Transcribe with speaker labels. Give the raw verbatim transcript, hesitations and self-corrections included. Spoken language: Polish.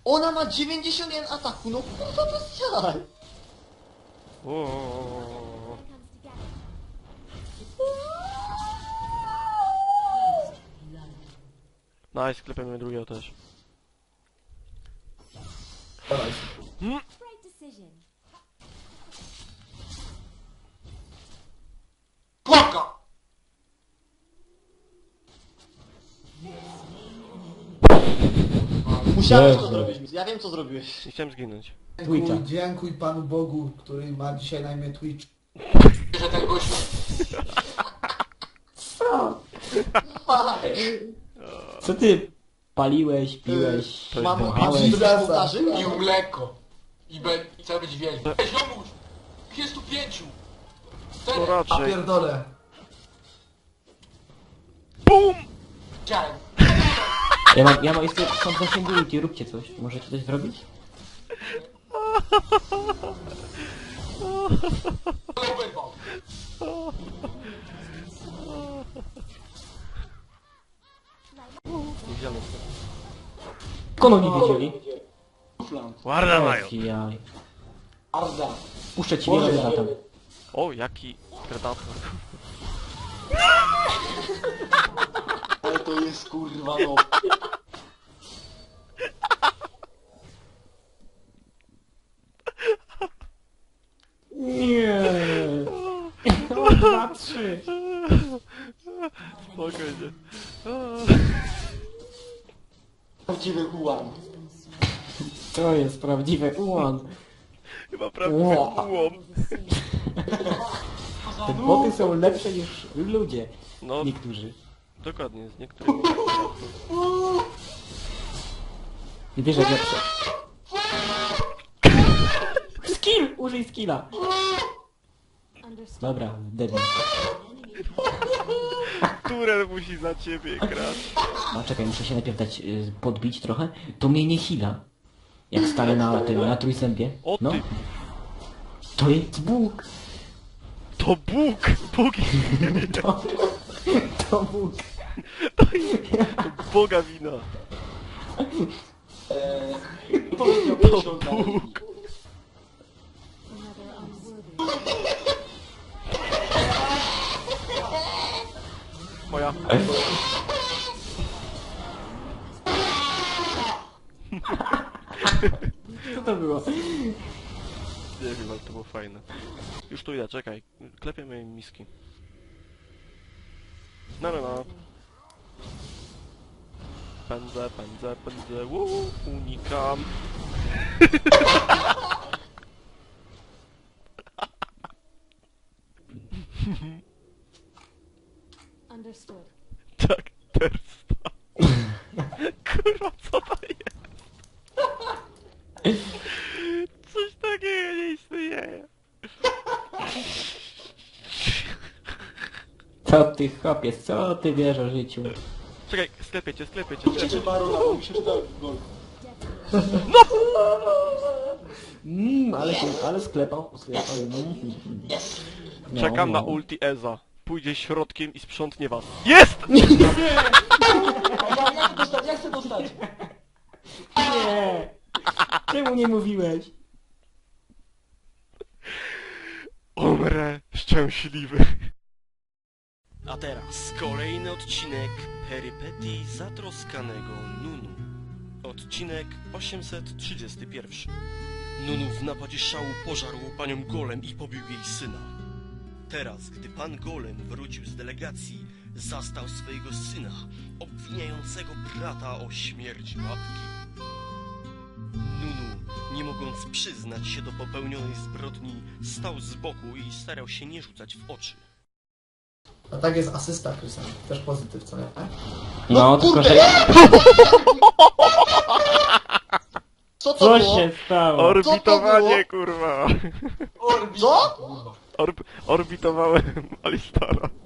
Speaker 1: Ona ma dziewięćdziesiąt jeden ataku, no kurwa bez jaj.
Speaker 2: Oooo. Nice, klepiemy drugiego też. Hmm?
Speaker 1: Kłapka! Musiałeś to
Speaker 3: Jezu.
Speaker 1: zrobić, ja wiem co zrobiłeś.
Speaker 2: Nie chciałem zginąć.
Speaker 3: Twitcha.
Speaker 4: Dziękuj, dziękuj Panu Bogu, który ma dzisiaj na imię Twitch.
Speaker 1: Że ten gość...
Speaker 3: Co ty paliłeś, piłeś,
Speaker 2: To
Speaker 1: Mam
Speaker 3: dmuchałeś?
Speaker 1: pić ołtarzy?
Speaker 5: Pił mleko. I, be, i chcę być wielki. Ej, ziomuś! Jest tu pięciu!
Speaker 2: To
Speaker 5: Cztery!
Speaker 4: A
Speaker 2: raczej.
Speaker 4: pierdolę.
Speaker 2: BUM!
Speaker 5: Chciałem.
Speaker 3: Ja mam, ja mam jeszcze są zasięgu ulti, róbcie coś. Możecie coś zrobić?
Speaker 5: Ale wyrwał.
Speaker 2: Widziałem.
Speaker 3: Kono nie wiedzieli.
Speaker 2: Ładna mają.
Speaker 3: Jaj.
Speaker 4: Arda.
Speaker 3: Puszczę ci wiele za tam.
Speaker 2: O, jaki predator.
Speaker 1: Ale to jest kurwa no.
Speaker 3: Nie. O, dwa, trzy.
Speaker 2: Spokojnie.
Speaker 1: Prawdziwy ułam.
Speaker 3: To jest prawdziwy ułan.
Speaker 2: Chyba prawdziwy
Speaker 3: Ło.
Speaker 2: ułom.
Speaker 3: Te boty są lepsze niż ludzie.
Speaker 2: No,
Speaker 3: Niektórzy.
Speaker 2: dokładnie, z niektórymi.
Speaker 3: Nie wiesz jak lepsze. Skill! Użyj skilla. Dobra, debil.
Speaker 2: Które musi za ciebie grać.
Speaker 3: A czekaj, muszę się najpierw dać y, podbić trochę. To mnie nie hila. Jak stanę na tym, na trójzębie.
Speaker 2: O
Speaker 3: No,
Speaker 2: ty,
Speaker 3: to jest Bóg.
Speaker 2: to Bóg! Bóg
Speaker 3: To, to Bóg.
Speaker 2: to Boga wina.
Speaker 1: Powiedział
Speaker 2: To
Speaker 1: to
Speaker 2: Bóg. Moja.
Speaker 3: Co to było?
Speaker 2: Nie wiem, ale to było fajne. Już tu idę, czekaj. Klepiemy im miski. No, no, no. Pędzę, pędzę, pędzę. Uuu, unikam.
Speaker 6: Understood.
Speaker 2: Tak, tersta. Kurwa, co to jest? Coś takiego nie istnieje.
Speaker 3: Co ty chłopie, co ty wiesz o życiu?
Speaker 2: Czekaj, sklepię cię, sklepię cię, sklepię.
Speaker 1: Cię barona, bo mi się czyta gol.
Speaker 3: Mmm, ale się, ale sklepał, sklepał. Mm. No,
Speaker 2: Czekam
Speaker 3: no.
Speaker 2: na ulti Eza. Pójdzie środkiem i sprzątnie was. Jest!
Speaker 1: Ja, ja chcę dostać, ja chcę dostać.
Speaker 3: Nie! Czemu nie mówiłeś?
Speaker 2: Umrę szczęśliwy.
Speaker 7: A teraz kolejny odcinek perypetii zatroskanego Nunu. Odcinek osiemset trzydziesty pierwszy. Nunu w napadzie szału pożarł panią Golem i pobił jej syna. Teraz, gdy pan Golem wrócił z delegacji, zastał swojego syna, obwiniającego brata o śmierć matki. Nunu, nie mogąc przyznać się do popełnionej zbrodni, stał z boku i starał się nie rzucać w oczy.
Speaker 4: A tak jest asysta, Krystian. Też pozytyw, co nie?
Speaker 3: No, tylko że...
Speaker 1: Co to
Speaker 3: Co
Speaker 1: było?
Speaker 3: się stało?
Speaker 2: Orbitowanie, kurwa.
Speaker 1: Co?
Speaker 2: Orb orbitowałem Alistara.